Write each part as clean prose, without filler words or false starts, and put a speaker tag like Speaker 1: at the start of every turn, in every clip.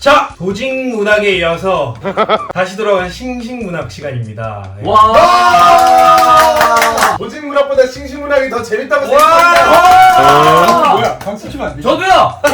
Speaker 1: 자, 조직문학에 이어서 다시 돌아온 싱싱문학 시간입니다.
Speaker 2: 와! 조직문학보다 싱싱문학이 더 재밌다고 생각합니다.
Speaker 3: 뭐야? 박수 치면 안 돼?
Speaker 4: 저도요!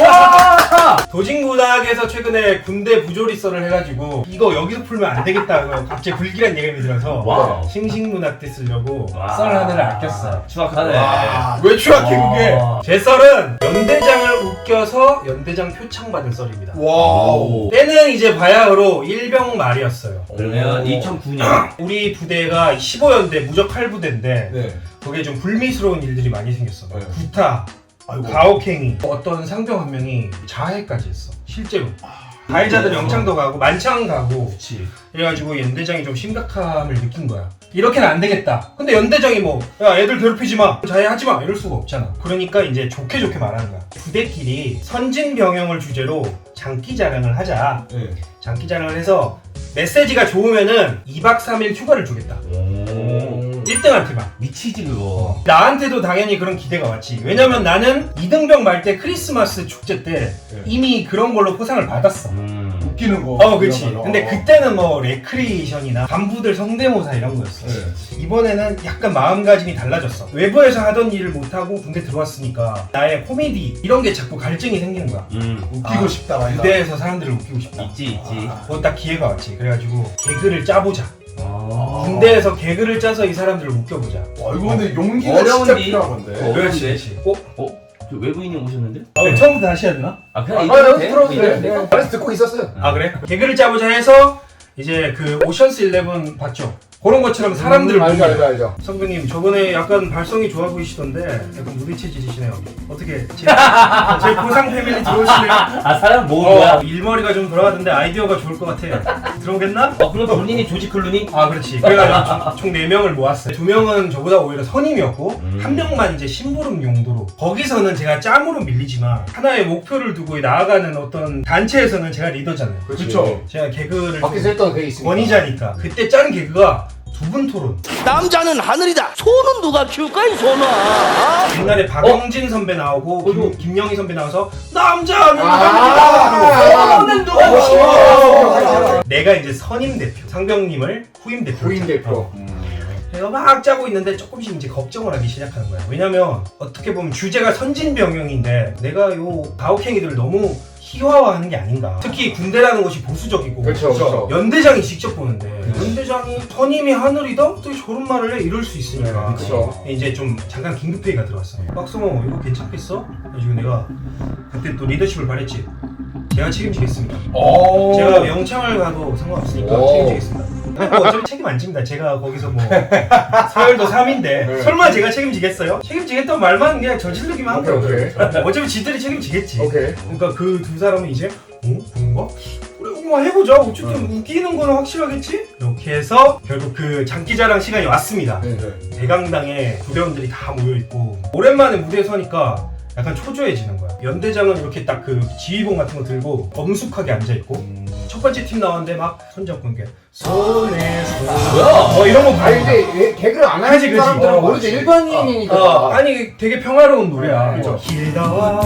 Speaker 4: 와!
Speaker 1: 조직문학에서 최근에 군대 부조리설을 해가지고 이거 여기서 풀면 안 되겠다고 갑자기 불길한 예감이 들어서
Speaker 4: 와우.
Speaker 1: 싱싱문학 때 쓰려고
Speaker 4: 와.
Speaker 1: 썰 하나를 아꼈어요.
Speaker 4: 추악하네.
Speaker 2: 왜 추악해 그게?
Speaker 1: 제 썰은 연대장을 웃겨서 연대장 표창 받은 썰입니다.
Speaker 2: 와우.
Speaker 1: 때는 이제 바야흐로 일병 말이었어요.
Speaker 4: 그러면 2009년.
Speaker 1: 우리 부대가 15연대 무적 8부대인데
Speaker 2: 네.
Speaker 1: 거기에 좀 불미스러운 일들이 많이 생겼어.
Speaker 2: 네.
Speaker 1: 구타,
Speaker 2: 아이고.
Speaker 1: 가혹행위, 어떤 상병 한 명이 자해까지 했어. 실제로. 가해자들 영창도 가고 만창 가고.
Speaker 4: 그치.
Speaker 1: 그래가지고 연대장이 좀 심각함을 느낀 거야. 이렇게는 안 되겠다. 근데 연대장이 뭐, 야, 애들 괴롭히지 마, 자해하지 마, 이럴 수가 없잖아. 그러니까 이제 좋게 말하는 거야. 부대끼리 선진병영을 주제로 장기 자랑을 하자.
Speaker 2: 네.
Speaker 1: 장기 자랑을 해서 메시지가 좋으면은 2박 3일 휴가를 주겠다.
Speaker 4: 오.
Speaker 1: 1등한테만.
Speaker 4: 미치지, 그거.
Speaker 1: 나한테도 당연히 그런 기대가 왔지. 왜냐면 나는 이등병 말 때 크리스마스 축제 때 이미 그런 걸로 포상을 받았어.
Speaker 3: 웃기는 거.
Speaker 1: 그치.
Speaker 3: 이런 거.
Speaker 1: 근데 그때는 뭐 레크리에이션이나 간부들 성대모사 이런 거였어.
Speaker 2: 네.
Speaker 1: 이번에는 약간 마음가짐이 달라졌어. 외부에서 하던 일을 못하고 군대 들어왔으니까 나의 코미디 이런 게 자꾸 갈증이 생기는 거야.
Speaker 3: 웃기고 싶다 말이다.
Speaker 1: 무대에서 사람들을 웃기고 싶다.
Speaker 4: 있지.
Speaker 1: 그거 딱 기회가 왔지. 그래가지고 개그를 짜보자.
Speaker 4: 아.
Speaker 1: 군대에서 개그를 짜서 이 사람들을 웃겨보자.
Speaker 2: 와 이거 근데 용기가
Speaker 4: 어려운데?
Speaker 2: 진짜 필요한 건데.
Speaker 1: 그렇지.
Speaker 4: 저 외부인이 오셨는데?
Speaker 1: 처음부터 다시 해야 되나?
Speaker 4: 아, 그냥
Speaker 2: 여기
Speaker 4: 돼?
Speaker 2: 들어오세요.
Speaker 4: 돼?
Speaker 2: 그래서 듣고 있었어요.
Speaker 1: 아 그래? 개그를 짜보자 해서 이제 그 오션스 11 봤죠? 그런 것처럼 사람들을
Speaker 2: 알죠.
Speaker 1: 성규님 저번에 약간 발성이 좋아 보이시던데 약간 무대 체질이시네요. 어떻게 제 보상 패밀리 들어오시네요.
Speaker 4: 아, 사람 모은 거야?
Speaker 1: 일머리가 좀 돌아가던데 아이디어가 좋을 것 같아. 들어오겠나?
Speaker 4: 그럼 본인이 조지 클루니?
Speaker 1: 아 그렇지. 그래가지고 총 4명을 모았어요. 2명은 저보다 오히려 선임이었고 한 명만 이제 심부름 용도로. 거기서는 제가 짬으로 밀리지만 하나의 목표를 두고 나아가는 어떤 단체에서는 제가 리더잖아요.
Speaker 2: 그렇죠.
Speaker 1: 제가 개그를
Speaker 2: 밖에서 했던 그게 있으니까.
Speaker 1: 권위자니까. 그때 짠 개그가 두 분 토론.
Speaker 5: 남자는 하늘이다. 소는 누가 키울까 이 소는?
Speaker 1: 옛날에 박영진 선배 나오고 김영희 선배 나와서 남자는
Speaker 2: 아,
Speaker 1: 하늘이다.
Speaker 2: 아,
Speaker 1: 내가 이제 선임 대표, 상병님을 후임 대표.
Speaker 2: 부인 대표.
Speaker 1: 내가 막 짜고 있는데 조금씩 이제 걱정을 하기 시작하는 거야. 왜냐면 어떻게 보면 주제가 선진병영인데 내가 요 가혹행위들을 너무 희화화하는 게 아닌가. 특히 군대라는 것이 보수적이고
Speaker 2: 그렇죠.
Speaker 1: 연대장이 직접 보는데 연대장이 선임이 하늘이다? 어떻게 저런 말을 해? 이럴 수 있으니까
Speaker 2: 그렇죠.
Speaker 1: 이제 좀 잠깐 긴급회의가 들어왔어. 박성호 이거 괜찮겠어? 그래가지고 내가 그때 또 리더십을 발했지. 제가 책임지겠습니다. 제가 영창을 가도 상관없으니까
Speaker 2: 오.
Speaker 1: 책임지겠습니다. 뭐 어차피 책임 안 집니다. 제가 거기서 뭐 서열도 3인데 설마 제가 책임지겠어요? 책임지겠다는 말만 그냥 저지르기만 한 거예요.
Speaker 2: 오케이.
Speaker 1: 어차피 지들이 책임지겠지.
Speaker 2: 오케이.
Speaker 1: 그러니까 그 두 사람은 이제 그런가? 그래 한번 해보자. 어쨌든 웃기는 거는 확실하겠지? 이렇게 해서 결국 그 장기자랑 시간이 왔습니다. 대강당에 부대원들이 다 모여있고 오랜만에 무대에 서니까 약간 초조해지는 거야. 연대장은 이렇게 딱 그 지휘봉 같은 거 들고 엄숙하게 앉아있고 첫 번째 팀 나왔는데 막 손잡고 이렇게 손에 손
Speaker 4: 뭐야?
Speaker 1: 이런 거
Speaker 2: 아니
Speaker 1: 부르는
Speaker 2: 근데 개그를 안
Speaker 1: 그치,
Speaker 2: 하는
Speaker 1: 그치.
Speaker 2: 사람들은 모르지. 일반인이니까.
Speaker 1: 아니 되게 평화로운 노래야.
Speaker 2: 그죠.
Speaker 1: 길다와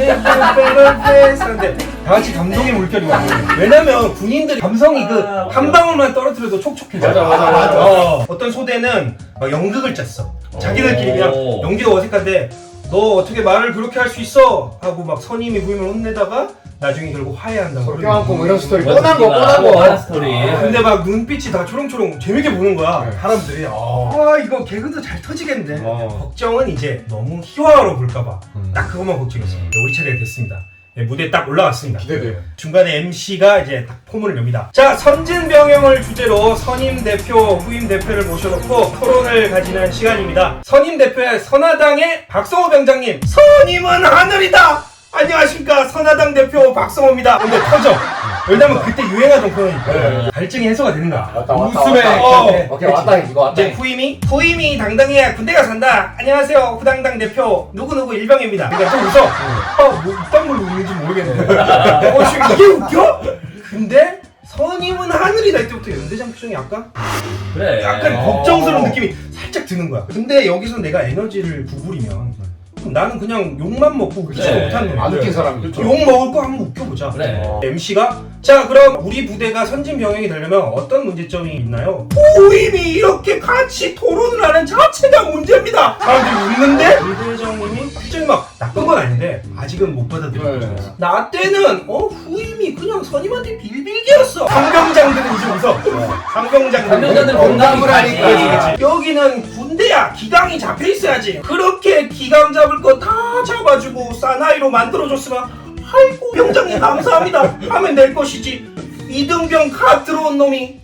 Speaker 1: 하는데 다 같이 감동의 물결이 와. 왜냐면 군인들이 감성이 그 한 방울만 떨어뜨려도 촉촉해져.
Speaker 2: 맞아.
Speaker 1: 어떤 소대는 막 연극을 짰어. 자기들끼리 그냥 연기도 어색한데 너 어떻게 말을 그렇게 할 수 있어? 하고 막 선임이 후임을 혼내다가 나중에 결국 화해한다고.
Speaker 2: 그렇게 많고 뭐 이런 스토리.
Speaker 4: 뻔한
Speaker 2: 뻔한
Speaker 4: 스토리.
Speaker 1: 근데 막 눈빛이 다 초롱초롱 재밌게 보는 거야.
Speaker 2: 네.
Speaker 1: 사람들이 이거 개그도 잘 터지겠네. 걱정은 이제 너무 희화화로 볼까봐 딱 그것만 걱정했어. 우리 차례가 됐습니다. 네, 무대에 딱 올라왔습니다.
Speaker 2: 기대돼요.
Speaker 1: 중간에 MC가 이제 딱 포문을 엽니다. 자, 선진병영을 주제로 선임 대표, 후임 대표를 모셔놓고 토론을 가지는 시간입니다. 선임 대표의 선화당의 박성호 병장님. 선임은 하늘이다! 안녕하십니까. 선화당 대표 박성호입니다. 근데 터져. 왜냐면 그때 유행하던 코너니까 갈증이 해소가 되는 거야. 웃음에
Speaker 2: 오케이 왔다 이거 왔다.
Speaker 1: 이제 후임이 당당해야 군대가 산다. 안녕하세요. 후당당 대표 누구누구 일병입니다. 그러니까 좀 웃어. 뭐 이딴 걸로 웃는지 모르겠는데. 지금 이게 웃겨? 근데 선임은 하늘이다. 이때부터 연대장 표정이 약간
Speaker 4: 그래.
Speaker 1: 걱정스러운 느낌이 살짝 드는 거야. 근데 여기서 내가 에너지를 구부리면 나는 그냥 욕만 먹고 웃기지
Speaker 4: 그래.
Speaker 1: 못한 놈이야.
Speaker 2: 안 웃긴 사람이.
Speaker 3: 그쵸.
Speaker 1: 욕 먹을 거 한번 웃겨보자.
Speaker 4: 그래.
Speaker 1: MC가 자 그럼 우리 부대가 선진병영이 되려면 어떤 문제점이 있나요? 후임이 이렇게 같이 토론을 하는 자체가 문제입니다. 사람들이 웃는데 부대장님이 표정이 막 나쁜 건 아닌데 아직은 못 받아들이고
Speaker 2: 네.
Speaker 1: 있어. 나 때는 후임이 그냥 선임한테 빌빌개였어. 상병장들은 이제 웃어.
Speaker 4: 상병장들은 공감을 하니까.
Speaker 1: 그렇지. 여기는 군대야. 기강이 잡혀 있어야지. 그렇게 기강 잡을 거 다 잡아주고 사나이로 만들어줬으면 아이고 병장님 감사합니다 하면 될 것이지. 이등병 갓 들어온 놈이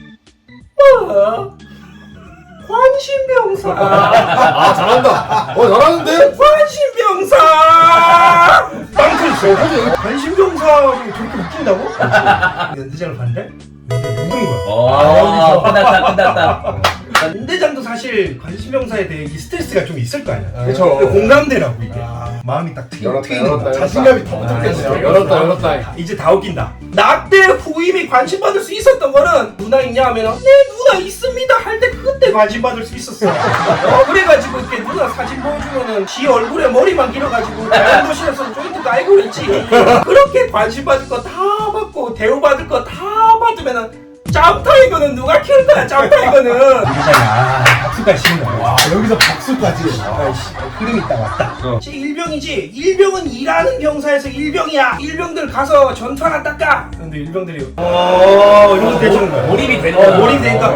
Speaker 1: 관심병사.
Speaker 2: 아 잘한다. 잘하는데?
Speaker 1: 관심병사. 빵틀 있어. 관심병사를 저렇게 웃긴다고? 연대장을 봤는데 연대 묻은 거야.
Speaker 4: 끝났다.
Speaker 1: 연대장도 사실 관심병사에 대해 이 스트레스가 좀 있을 거 아니야.
Speaker 2: 그쵸.
Speaker 1: 공감대라고 이게. 마음이 딱 트이는 거야.
Speaker 3: 자신감이 더 붙었겠어요.
Speaker 2: 열었다.
Speaker 1: 이제 다 웃긴다. 나 때 후임이 관심 받을 수 있었던 거는 누나 있냐 하면 네 누나 있습니다 할 때 그때 관심 받을 수 있었어. 그래가지고 이렇게 누나 사진 보여주면은 지 얼굴에 머리만 길어가지고 자연도실에서 조인트 깔고 그랬지. 그렇게 관심 받을 거 다 받고 대우 받을 거 다 받으면은 짬타이거는 누가 키울 거야 짬타이거는. 박수까지 치는 거야.
Speaker 3: 와, 여기서 박수까지.
Speaker 1: 흐름이 딱 왔다. 제 일병이지. 일병은 일하는 병사에서 일병이야. 일병들 가서 전투 하나 닦아. 근데 일병들이 이러면서 대주는 거야.
Speaker 4: 몰입이 되는 거야.
Speaker 1: 몰입이 되니까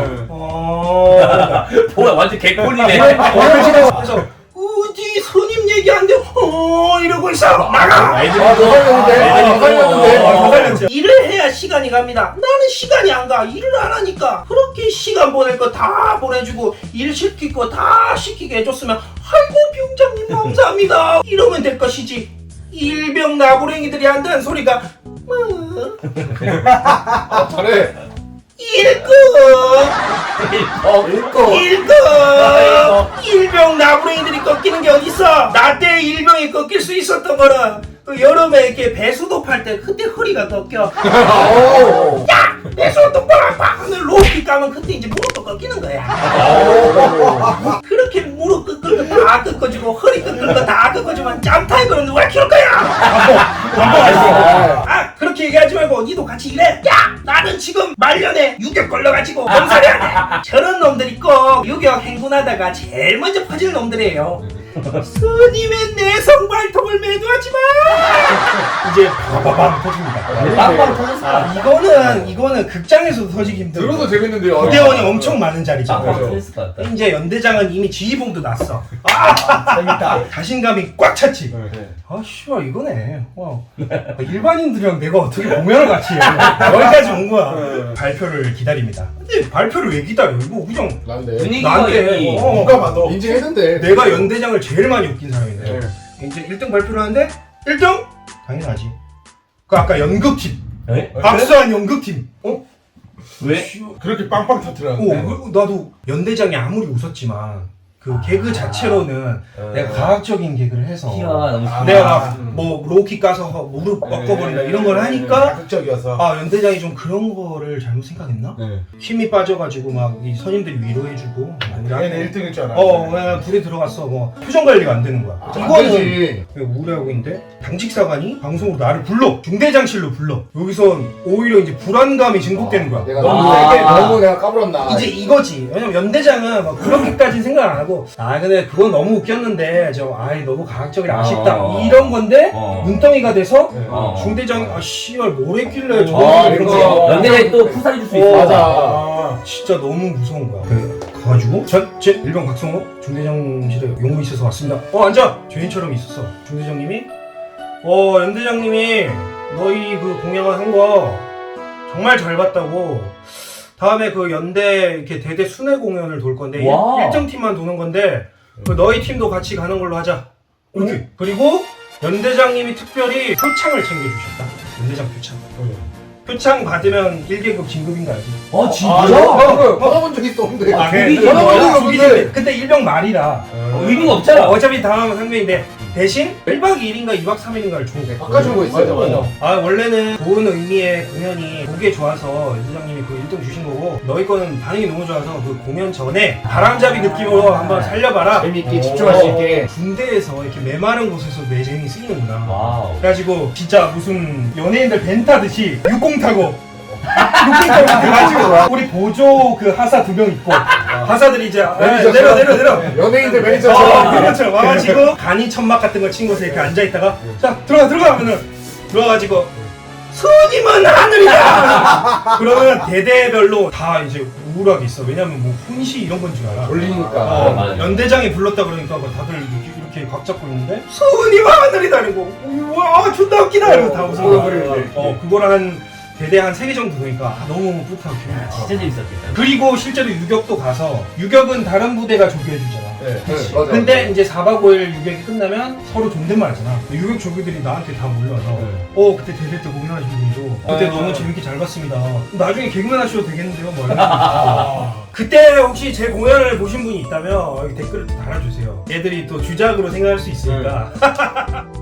Speaker 4: 뭐야 완전 개꿀이네.
Speaker 1: 그래서 어디 선임 얘기하는데 이러고 있어. 나가.
Speaker 2: 살렸는데.
Speaker 1: 일을 해야 시간이 갑니다. 나는 시간이 안 가. 일을 안 하니까. 그렇게 시간 보낼 거 다 보내주고 일 시킬 거 다 시키게 해줬으면 아이고 병장님 감사합니다 이러면 될 것이지. 일병 나부랭이들이 한다는 소리가
Speaker 2: 잘해.
Speaker 1: 일급
Speaker 2: 읽고.
Speaker 1: 일병 나부랭이들이 꺾이는 게 어딨어. 나 때 일병이 꺾일 수 있었던 거는 그 여름에 이렇게 배수도 팔 때 그때 허리가 꺾여. 야! 배수 똑바로 팍 하면 로우킥 가면 그때 이제 무릎도 꺾이는 거야. 그렇게 무릎 꺾을 거 다 꺾어주고 허리 꺾을 거 다 꺾어주면 짬타이거는 누가 키울 거야. 그렇게 얘기하지 말고 니도 같이 일해. 야! 나는 지금 말년에 유격 걸려가지고 병사해야 돼. 저런 놈들이 꼭 유격 행군하다가 제일 먼저 퍼질 놈들이에요. 스님의 내성 발톱을 매도하지 마. 이제 바바밤 터집니다.
Speaker 4: 빵빵 터졌어.
Speaker 1: 이거는 극장에서도 터지기 힘들어.
Speaker 2: 들어도 재밌는데요.
Speaker 1: 부대원이 엄청 많은 자리잖아.
Speaker 4: 빵빵 터졌을 것 같다.
Speaker 1: 이제 연대장은 이미 지휘봉도 났어. 재밌다. 자신감이 꽉 찼지. 씨발 이거네. 일반인들이랑 내가 어떻게 공연을 같이 해. 여기까지 온 거야. 발표를 기다립니다. 근데 발표를 왜 기다려? 이거 그냥
Speaker 2: 난데.
Speaker 4: 분위기가
Speaker 1: 나한테
Speaker 4: 이미
Speaker 3: 누가 봐도.
Speaker 2: 인증했는데.
Speaker 1: 내가 연대장을 제일 많이 웃긴 사람인데 이제 1등 발표를 하는데 1등? 당연하지. 그 아까 연극팀
Speaker 4: 에?
Speaker 1: 박수한 연극팀
Speaker 4: 왜?
Speaker 3: 그렇게 빵빵 터뜨렸는데.
Speaker 1: 그리고 나도 연대장이 아무리 웃었지만 그 개그 자체로는 내가 과학적인 개그를 해서
Speaker 4: 키가 너무
Speaker 1: 내가 뭐 로우킥 가서 무릎 꺾어버린다 이런 걸 하니까
Speaker 3: 자극적이어서.
Speaker 1: 연대장이 좀 그런 거를 잘못 생각했나? 힘이 빠져가지고 막 이 선임들이 위로해주고
Speaker 3: 당연히 1등일 줄 알았는데.
Speaker 1: 그냥 불에 들어갔어. 뭐 표정 관리가 안 되는 거야.
Speaker 2: 안 되지.
Speaker 1: 우울해하고 있는데 당직사관이 방송으로 나를 불러. 중대장실로 불러. 여기선 오히려 이제 불안감이 증폭되는 거야.
Speaker 2: 내가 너무 내가 까불었나.
Speaker 1: 이제 이거지. 왜냐면 연대장은 막 그렇게까지는 생각 안 하고 근데 그건 너무 웃겼는데 너무 과학적이라 아쉽다 이런 건데 눈덩이가 돼서 중대장이 씨발 뭘 했길래 저런 이런 거
Speaker 4: 연대장이 또 푸사리 줄 수 있어.
Speaker 2: 맞아.
Speaker 1: 진짜 너무 무서운 거야. 가가지고 제 일병 박성호 중대장실에 용무 있어서 왔습니다. 앉아. 죄인처럼 있었어. 중대장님이 연대장님이 너희 그 공양을 한 거 정말 잘 봤다고. 다음에 그 연대 이렇게 대대 순회 공연을 돌 건데
Speaker 4: 와.
Speaker 1: 일정 팀만 도는 건데 그 너희 팀도 같이 가는 걸로 하자. 이렇게. 그리고 연대장님이 특별히 표창을 챙겨주셨다. 연대장 표창. 표창 받으면 1계급 진급인 거 알지?
Speaker 2: 진짜? 받아본 적 있었는데.
Speaker 1: 그게
Speaker 2: 받아본 적 없는데.
Speaker 1: 그때 일병 말이라.
Speaker 4: 의미가 없잖아.
Speaker 1: 어차피 다음 상병인데 대신 1박 2일인가 2박 3일인가를 줘.
Speaker 2: 바꿔준 거 있어요.
Speaker 1: 아 원래는 좋은 의미의 공연이 보기에 좋아서 이사장님이 그 1등 주신 거고 너희 거는 반응이 너무 좋아서 그 공연 전에 바람잡이 느낌으로 한번 살려봐라.
Speaker 2: 재밌게 집중할 수 있게.
Speaker 1: 군대에서 이렇게 메마른 곳에서 매쟁이 쓰이는구나.
Speaker 4: 와우.
Speaker 1: 그래가지고 진짜 무슨 연예인들 벤 타듯이 육공 타고 그래가지고 우리 보조 그 하사 2명 있고 하사들이 이제 내려
Speaker 2: 연예인들 매니저처럼.
Speaker 1: 그렇죠. 와가지고 간이 천막 같은 거 친 곳에 이렇게 앉아있다가 자 들어가 하면은 들어가가지고 스님은 하늘이다. 그러면 대대별로 다 이제 우울하게 있어. 왜냐면 뭐 훈시 이런 건 줄 알아.
Speaker 2: 돌리니까.
Speaker 4: 맞아요.
Speaker 1: 연대장이 불렀다 그러니까 뭐 다들 이렇게 각 잡고 있는데 스님 하늘이다 이러고 와 존나 웃기다 이러고 다 웃어. 그거를 한 대대 한 3개 정도 보니까 너무 뿌듯하고 기분이 좋아.
Speaker 4: 진짜 재밌었겠다.
Speaker 1: 그리고 실제로 유격도 가서 유격은 다른 부대가 조교해주잖아.
Speaker 2: 네, 맞아.
Speaker 1: 근데 이제 4박 5일 유격이 끝나면 서로 존댓말 하잖아. 유격 조교들이 나한테 다 몰려와서 그때 대대 때 공연하신 분이죠. 그때 너무 재밌게 잘 봤습니다. 나중에 개그맨 하셔도 되겠는데요? 뭐 그때 혹시 제 공연을 보신 분이 있다면 여기 댓글을 또 달아주세요. 애들이 또 주작으로 생각할 수 있으니까.